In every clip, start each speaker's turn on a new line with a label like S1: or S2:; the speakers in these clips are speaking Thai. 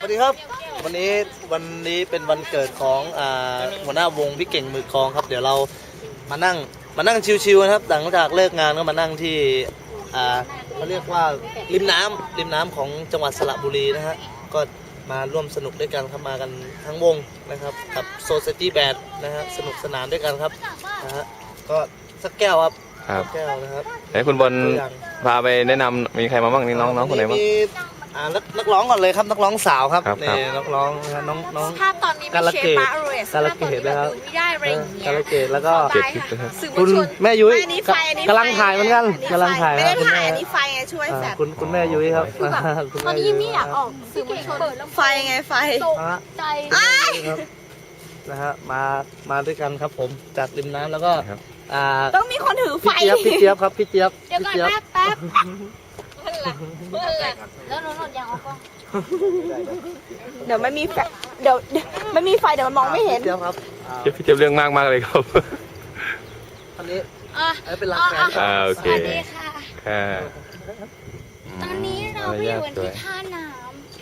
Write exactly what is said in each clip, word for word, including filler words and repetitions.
S1: วัสดีครับวันนี้วันนี้เป็นวันเกิดของอ่าหัวหน้าวงพี่เก่งมือคลองครับเดี๋ยวเรามานั่งมานั่งชิวๆนะครับหลังจากเลิกงานก็มานั่งที่อ่าเขาเรียกว่าริมน้ำริมน้ำของจังหวัดสระบุรีนะฮะก็มาร่วมสนุกด้วยกันครับมากันทั้งวงนะครับกับโซซิตี้แบนด์นะฮะสนุกสนานด้วยกันครับนะฮะก็สักแก้วครับสักแก้วนะครับ
S2: ไหนคุณบอลพาไปแนะนำมีใครมาบ้างนี่น้องน้องคนไหนบ้าง
S1: อ่านักร้องก่อนเลยครับนักร้องสาวครับนี่นักร้องน้องน้อง
S3: ภาพตอนนี้ไม่เชฟปาโรส
S1: กาลเกตนะครับ
S3: ไม่ได้อะไรอย่างเงี้ย
S1: กาลเกตแล้วก็
S3: คุณ
S1: แม่ยุ้ยกำลังถ่ายเหมือนกันกำลังถ่าย
S3: ไม่ได้ถ่ายอันนี้ไฟไงช่วยแสบ
S1: คุณคุณแม่ยุ้ยครับ
S3: ตอนนี้ยังไม่อยากออกสื่อมวลชนไฟไงไฟ
S1: ใจนะฮะมามาด้วยกันครับผมจากริมน้ำแล้วก็
S3: ต้องมีคนถือไฟ
S1: พี่เจี๊ยบพี่เจี๊ยบครับพี่เจี๊ยบ
S3: เดี๋ยวก่อนแป๊บแป๊บแล้วนนท์ยังเอากล้องเดี๋ยวไม่มีไฟเดี๋ยวไม่มีไฟเดี๋ยวมันมองไม่เห็น
S1: เจี๊ยบครับ
S2: เจี๊ยบพี่เจี๊ยบเรื่องมากมากเลยครับ
S1: อันนี้อันนี้เป็นรักแฟน
S2: อ่าโอเค
S3: สวัสดีค่ะ
S2: ค่ะ
S3: ตอนนี้เราไปอยู่ที่ท่าน้ำ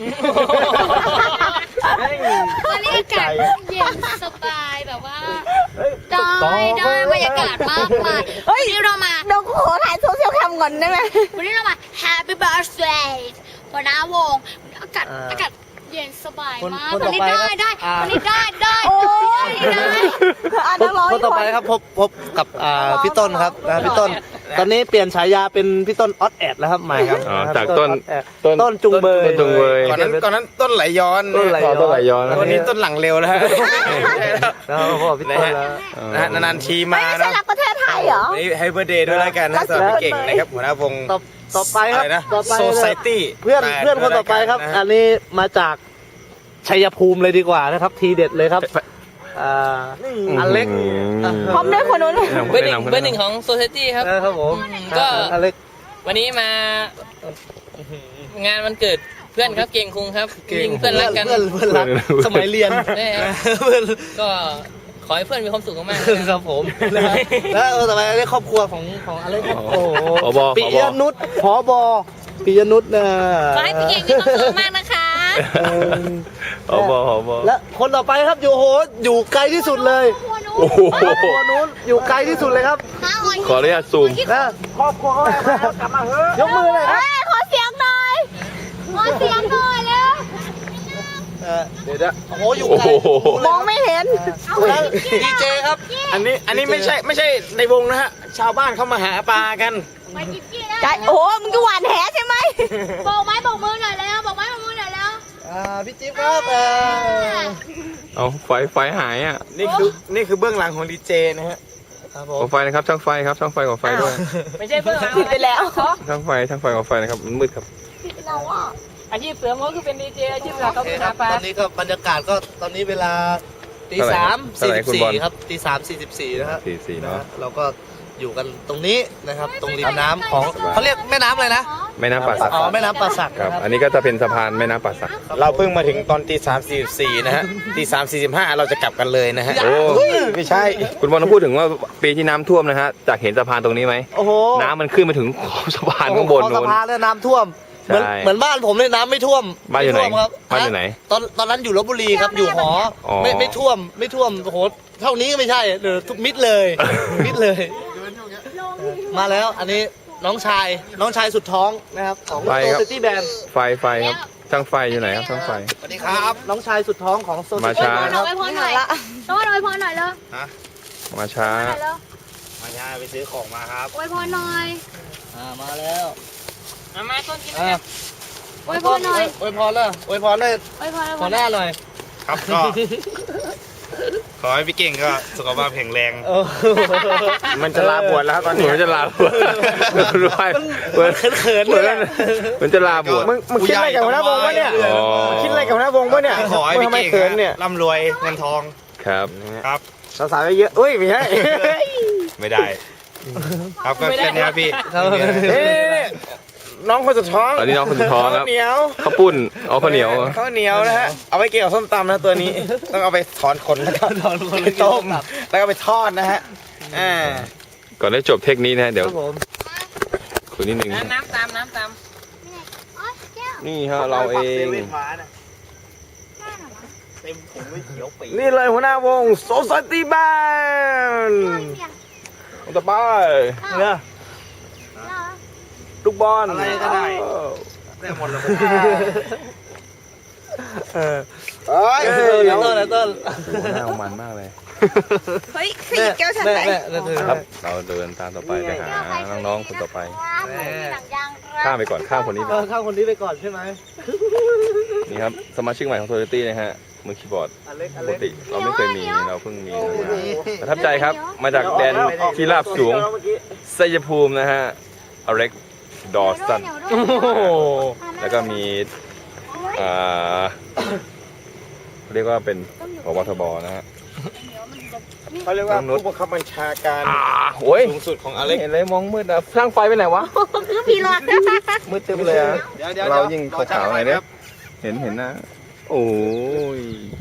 S3: ตอนนี้อากาศเย็นสบายแบบว่าได้ได้บรรยากาศมากมายวันนี้เรามาเดี๋ยวขอถ่ายโซเชียลแคมก่อนได้ไหมวันนี้เรามา Happy Birthday หัวหน้าวงอากาศอากาศเย็นสบายมากวันนี้ได้ได้วันนี้ได้ได้โอ้ยได้
S1: คนต่อไปครับพบพบกับพี่ต้นครับพี่ต้นตอนนี้เปลี่ยนฉายาเป็นพี่ต้นออดแอดแล้วครับใหม่ครับ
S2: จากต้น
S1: ต้นจุงเบย
S2: จุงเบย
S4: ก่อนนั้นก่อนนั้นต้นไหลย้อน
S2: ต้นไหลย้อน
S4: วันนี้ต้นหลังเร็วแล้วฮะ
S1: แล้วพ่อพี่ต้นแล้ว
S4: นานๆทีมา
S3: นะไม่ใช่รักประเทศไทยเหรอ
S4: นี่ให้เบอร์เดย์ด้วยแล้วกันนะสำหรับพี่เก่งนะครับหัวหน้าวง
S1: ต่อไปครับ
S4: ต่อไปโซไซตี้
S1: เพื่อนเพื่อนคนต่อไปครับอันนี้มาจากชัยภูมิเลยดีกว่านะครับทีเด็ดเลยครับอ่าอเล็ก
S3: พร้อมด้วยคนนู้น
S5: เบอร์หนึ่งเบอร์หนึ่งของโซเซตี้ครับ
S1: ครับผม
S5: ก็
S1: อเล็ก
S5: วันนี้มา งานวันเกิดเพื่อนครับเก่งคุงครับยิงเพื่อนรักกัน
S1: เพื่อนเพื่อนรักสมัยเรียน
S5: ก็ขอให้เพื่อนมีความสุขมาก
S1: ๆครับผมแล้วต่อไปเรียกครอบครัวของของอเล็กครับโอ้โหปิยนุชผบปิยนุชนะ
S3: ขอให้พี่เก่งมีความสุขมากนะคะ
S2: ผบผบ
S1: และคนต่อไปครับอยู่โหอยู่ไกลที่สุดเลย
S2: โอ้โห
S1: ตัวนู้นอยู่ไกลที่สุดเลยครับ
S2: ขออนุญาตซูม
S1: นะครอบครัวเขากลับมาเฮ้ยยกมือเลย
S3: ขอเสียงหน่อยขอเสียงหน่อยแล้ว
S1: เดี๋ยวโอ้โหอยู่ไกล
S3: มองไม่เห็น
S1: ดีเจครับ
S4: อันนี้อันนี้ไม่ใช่ไม่ใช่ในวงนะฮะชาวบ้านเขามาหาปลากัน
S3: ใจโอ้มึงก็หวานแหใช่ไหมบอกไม้บอกมือหน่อยแล้วบอกไม้บอกมือหน่อยแล้ว
S1: อ่าพี่จิ๊บครับ
S2: เอาไฟไฟหายอ่ะ
S4: นี่คือนี่คือเบื้องหลังของดีเจนะฮะ
S2: ขอไฟนะครับช่างไฟครับช่างไฟขอไฟด้วย
S5: ไม่ใช่เบื้องหลัง
S3: ผิดไปแล้ว
S2: ช่างไฟช่างไฟขอไฟนะครับมันมืดครับ
S3: เราอ่ะ
S5: อาชีพเสริมเขาคือเป็นดีเจอาชีพหลักเขาคือหาปลา
S1: ตอนนี้ก็บรรยากาศก็ตอนนี้เวลาตีสามสี่สิบสี่ครับตีสามสี่สิบสี่นะครับ
S2: สี่สี่เนาะ
S1: เราก็อยู่กันตรงนี้นะครับตรงริมน้ำของเขาเรียกแม่น้ำอะไรนะ
S2: แม่น้ำป่าสัก
S1: อ๋อแม่น้ำป่าสัก
S2: ครับอันนี้ก็จะเป็นสะพานแม่น้ำป่าสัก
S4: เราเพิ่งมาถึงตอนตีสามสี่สี่นะฮะตีสามสี่สิบห้าเราจะกลับกันเลยนะฮะ
S2: โอ้
S4: ไม่ใช่
S2: คุณบอลต้องพูดถึงว่าปีที่น้ำท่วมนะฮะจากเห็นสะพานตรงนี้ไหม
S1: โอ้โห
S2: น้ำมันขึ้นมาถึงขอบสะพานข้างบนนู้น
S1: สะพานแล้วน้ำท่วมเหมือนเหมือนบ้านผมเลยน้ำไม่ท่วม
S2: บ้านอยู่ไหนบ้านอยู่ไหน
S1: ตอนตอนนั้นอยู่ลบบุรีครับอยู่หอไม่ไม่ท่วมไม่ท่วมโอ้โหเท่านี้ไม่ใช่เออทุกมิดเลยมิดเลยมาแล้วอันนี้น้องชายน้องชายสุดท้องนะครับของโซซิตี้แบนด์
S2: ไฟไฟครับช่างไฟอยู่ไหนครับช่างไฟ
S1: สวัสดีครับน้องชายสุดท้องของโซซิ
S2: ตี้แบนด์
S3: มาช้าไปพอหน่อยละต้องไปพอหน่อยเลย
S2: มาช้า
S4: มาช้าไปซื้อของมาครับ
S3: ไปพอหน่อย
S1: อ่ามาแล้ว
S5: มามาต้นกินนะ
S3: อวยพรหน่อย
S1: อวยพรเลยอวยพรเลย
S3: อวยพร
S1: ขอหน้าหน่อย
S4: ครับก็ขอให้พี่เก่งก็สุขภาพแข็งแรงมันจะลาบวชแล้วตอนนี้
S2: มันจะลาบวชด้วย
S1: เหมือนเขินๆเลย
S2: มันจะลาบวช
S4: มึงมึงคิดอะไรกับหัวหน้าวงวะเนี่ยคิดอะไรกับหัวหน้าวงวะเนี่ยขอให้พี่เก่งเนี่ยร่ำรวยเงินทอง
S2: ครับ
S4: ครับ
S1: สาวๆเยอะอุ้ยไม่ใช่
S4: ไม่ได้ครับก็แค่นี้พี่น้องคนสุดท้อง
S2: อันนี้น้องคนสุดท้องครับ
S4: เหนียว
S2: ข้าวปุ้นเอาข้าวเหนียว
S4: ข้าวเหนียวนะฮะเอาไปเกี่ยวส้มตำนะตัวนี้ต้องเอาไปถอนขนแล้วก็ถอนขนไปต้มแล้วก็ไปทอดนะฮะอ่า
S2: ก่อนได้จบเทคนี้นะเดี๋ยวคุยนิดนึง
S5: น้ำตามน้ำตาม
S2: นี่ฮะเราเอง
S4: นี่เลยหัวหน้าวงโซซายตี้แบนด์ต่อไป
S1: เนี่ย
S4: ลูกบอล
S1: อะไรก็ได้
S4: ได้หมดเลย
S1: เออ
S4: เอ้ย
S1: เต้นเต้นเต้น
S2: หน้ามันมากเลย
S6: เฮ้ยขยิบแก้วฉัน
S1: แม่
S6: ไหน
S1: แม่แม่เธอ
S2: ครับ เราเดินตามต่อไปไปหาน้องๆคนต่อไป
S3: หนังยาง
S2: ข้ามไปก่อนข้ามคนนี้
S1: เออข้ามคนนี้ไปก่อนใช่ไหม
S2: นี่ครับสมาชิกใหม่ของโทโยตี้นะฮะมือคีย์บอร์ด
S1: อเล็กอ
S2: ปก
S1: เล็ก
S2: ติเราไม่เคยมีเราเพิ่งมีนะฮะประทับใจครับมาจากแดนที่ราบสูงชัยภูมินะฮะอเล็กดอสตัน
S1: โอ้โห
S2: แล้วก็มีอ่าเรียกว่าเป็นผบทบนะฮะ
S4: เขาเรียกว่าผู้บังคับบัญชาการ
S2: อ่าโอ้ย
S4: สูงสุดของอเล็ก
S2: เห็นเลยมองมืดอะช่างไฟไปไหนวะ
S6: คือพี่หลอด
S2: มืดตึ๊บเลยอะ
S4: เดี๋ยวเดี๋ยว
S2: เรายิ่งขาวๆหน่อยเนี่ยเห็นเห็นนะ โอ้ย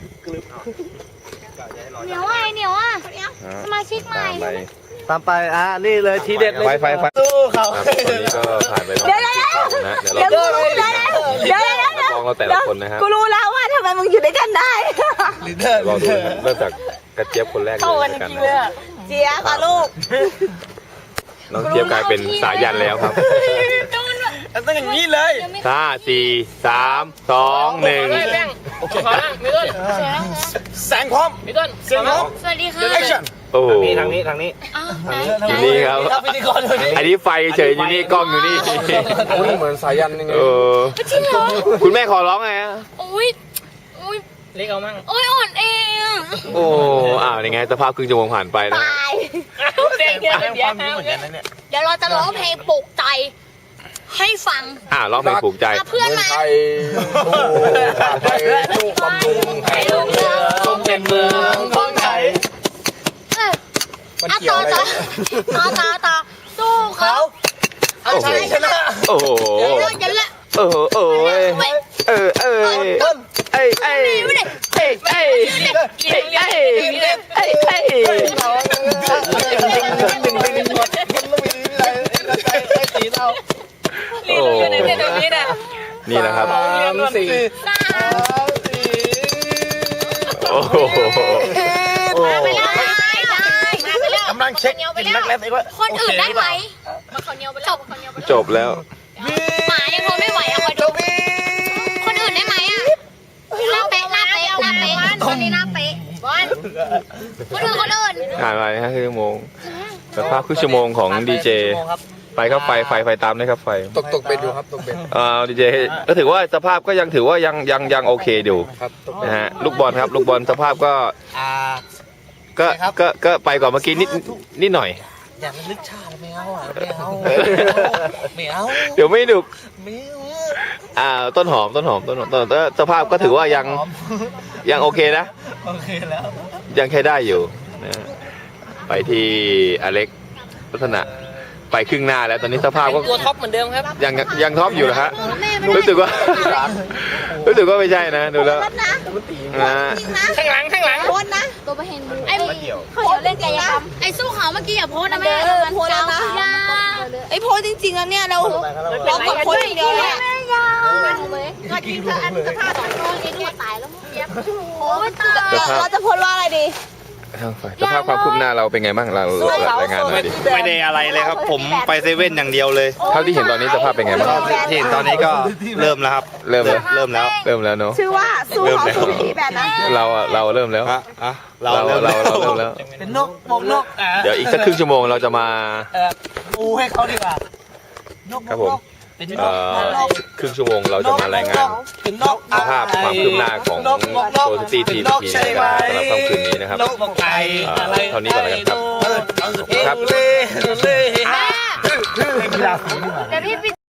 S3: เหนียวอ่ะเหนียวอ่ะสมาชิกใหม่
S2: ตามไป
S1: ตามไปอ่ะนี่เลยทีเด็ดเลย
S2: ไฟไฟไฟ
S1: สู้เขา
S2: ครับตอนนี้ก็ผ่านไปประมาณสิบคนนะเดี๋ยว
S6: เดี๋ยว
S2: เรา
S6: กูรู้แล้วเดี๋ยวเดี๋ยวเดี๋ยว
S2: มองเราแต่ละคนนะฮะ
S6: กูรู้แล้วว่าทำไมมึงอยู่ด้วยกันได้
S1: ลีดเดอร์
S2: ลองดูนะเริ่มจากกระเจี๊ยบคนแรกเลย
S6: เข้ากัน
S2: แล้วกัน
S6: จริง
S2: นะ
S6: เลยอะเจี๊ยบอะลูก
S2: น้องเจี๊ยบกลายเป็นสายันแล้วครับ
S4: ต้องอย่างนี้เลย
S2: ห้าสี่สามสองหนึ่ง
S5: เฮ้ยแป้งขอนั่งมีต้น
S4: แสงพร้อม
S5: มีต้น
S4: เสียงพร้อม
S3: สวัสดีค่ะ
S4: แอคชั่น
S2: โอ้โห
S4: ทางนี้ทางนี้
S3: อ้าวไหน
S2: อยู่นี่ครับ
S1: ครับพิธีกรคนนี้
S2: อันนี้ไฟเฉยอยู่นี่กล้องอยู่นี่
S4: อุ้ยเหมือนสายันยังไง
S2: เออ
S3: จริงเหรอ
S2: คุณแม่ขอร้องไงฮะ
S3: อุ้ยอุ้ย
S5: เล็กเอามั่ง
S3: อุ้ยอ่อนเอง
S2: โอ้อ้าวยังไงสภาพครึ่งชั่วโมงผ่านไปนะ
S6: ตาย
S5: เด็กเดียวเดียว
S4: เหมือนกันนะเนี่ย
S3: เดี๋ยวเราจะร้องเพลงปลุกใจ ให้ฟัง
S2: อ่าร้องเพลงปลูกใจ
S3: พาเพื่อนมา
S4: ไทยโอ้ไทยลูกบำรุงไทยลูกเรือทรงเป็นเมืองของไทย
S3: เออ
S4: มัน
S3: อ่ะ
S4: เกี่ยว
S3: ต่อ
S4: อะไร
S3: ต่อต่อต่อต่อสู้เขา
S2: โอ้โหโอ้โห
S3: เดี๋ยวละ
S2: เออเออเอ้ยเออเออเอ้ยเอ้ยเอ้ยเอ้ยเอ้ยเอ้ยเอ้ยเอ้ยเอ้ย โอ้นี่นะครับ
S4: สามสี่
S3: สาม
S2: โอ้โห
S3: มาไปแล้วได้มาไปแล้ว
S4: กำลังเช็คกินนักแรปเองว่า
S3: คนอื่นได้ไหมมาขอเนียวไปแล้วขอเนียวไปแล้ว
S2: จบแล้ว
S3: หมายังคงไม่ไหวอะคอยดูคนอื่นได้ไหมอะหน้าเป๊ะหน้าเป๊ะหน้าเป๊ะคนนี้หน้าเป๊ะบอลคนอื่นคนอื่น
S2: ผ่านไปห้าชั่วโมงสภาพครึ่งชั่วโมงของดีเจไปครับไฟไฟไฟตามเลยครับไฟ
S4: ตกตกเบ็ดอยู่ครับตกเบ็ด
S2: เอ่อดีเจก็ถือว่าสภาพก็ยังถือว่ายังยังยังโอเคอยู่
S4: ครับตก
S2: นะฮะลูกบอลครับลูกบอลสภาพก็
S1: อ่า
S2: ก็ก็ก็ไปกว่าเมื่อกี้นิดนิดหน่อย
S1: อย่ามานึกชาติไม่เอาอ่ะไม่เอาไม่เอา
S2: เดี๋ยวไม่ดุ
S1: ไม่เอา
S2: อ่าต้นหอมต้นหอมต้นหอมต้นหอมแต่สภาพก็ถือว่ายังยังโอเคนะ
S1: โอเคแล้ว
S2: ยังใช้ได้อยู่นะฮะไปที่อเล็กลักษณะไปครึ่งหน้าแล้วตอนนี้สภาพก็
S5: ตัวท็อปเหมือนเดิมครับ
S2: ยังยังท็อปอยู่นะฮะรู้สึกว่า รู้สึกว่าไม่ใช่นะดูแล้วนะ
S5: ข้างหลังข้างหลัง
S6: โพสนะ
S3: ตัวประเห็นบูไอ้
S6: เขาอยากเล่นกายกรรม
S3: ไอ้สู้เขาเมื่อกี้อย่าโพสนะแม่
S6: เออโพสแล้วนะ
S3: ยา
S6: ไอ้โพสจริงๆแล้วเนี่ยเราเรากดโพสอย่างเดียวเลยอะ
S3: ยาก็จริงเธออันสภาพของน้องนี่ตัวตายแล้วมึงเย็บโอ้ยตาย
S2: สภาพ
S6: เราจะโพสว่าอะไรดี
S2: สภาพความคืบหน้าเราเป็นไงบ้างเรารายงานหน่อยดิ
S7: ไม่ได้อะไรเลยครับ ผมไปเซเว่นอย่างเดียวเลย
S2: เท่าที่เห็นตอนนี้สภาพเป็นไงบ้าง
S7: ที่เห็นตอนนี้ก็เริ่มแล้วครับ
S2: เริ่มแล้ว
S7: เริ่มแล้ว
S2: เริ่มแล้วเนาะ
S6: ชื่อว่าสู้เขาสู้ผีแบบนั้น
S2: เราอะเราเริ่มแล้ว
S7: อ่ะอ่ะเรา
S2: เรา
S7: เริ่ม
S2: เรา
S7: แล้ว
S2: เราเริ่มแล้ว
S1: เป็นนกบกนกอ่า
S2: เดี๋ยวอีกสักครึ่งชั่วโมงเราจะมา
S1: เออปูให้เขาดีกว่านก
S2: ครับผม
S1: เป็นน
S2: เอ่
S1: ก
S2: อ
S1: นก
S2: ครึ่งชั่วโมงเราจะมารายงาน
S1: เป็นนก
S2: สภาพความคืบหน้าของ
S1: นกนกนก
S2: โซซิตี้ที
S1: นก
S2: ที
S1: ใช่ไหม
S2: สำหรับค่ำคืนนี้นะครับ
S1: นกบอกไก่
S2: เอ่อ
S1: อะไร
S2: เท่านี้ก่อนแล้วกันครับ
S1: ครับ
S3: แม่เดี๋ยวพี่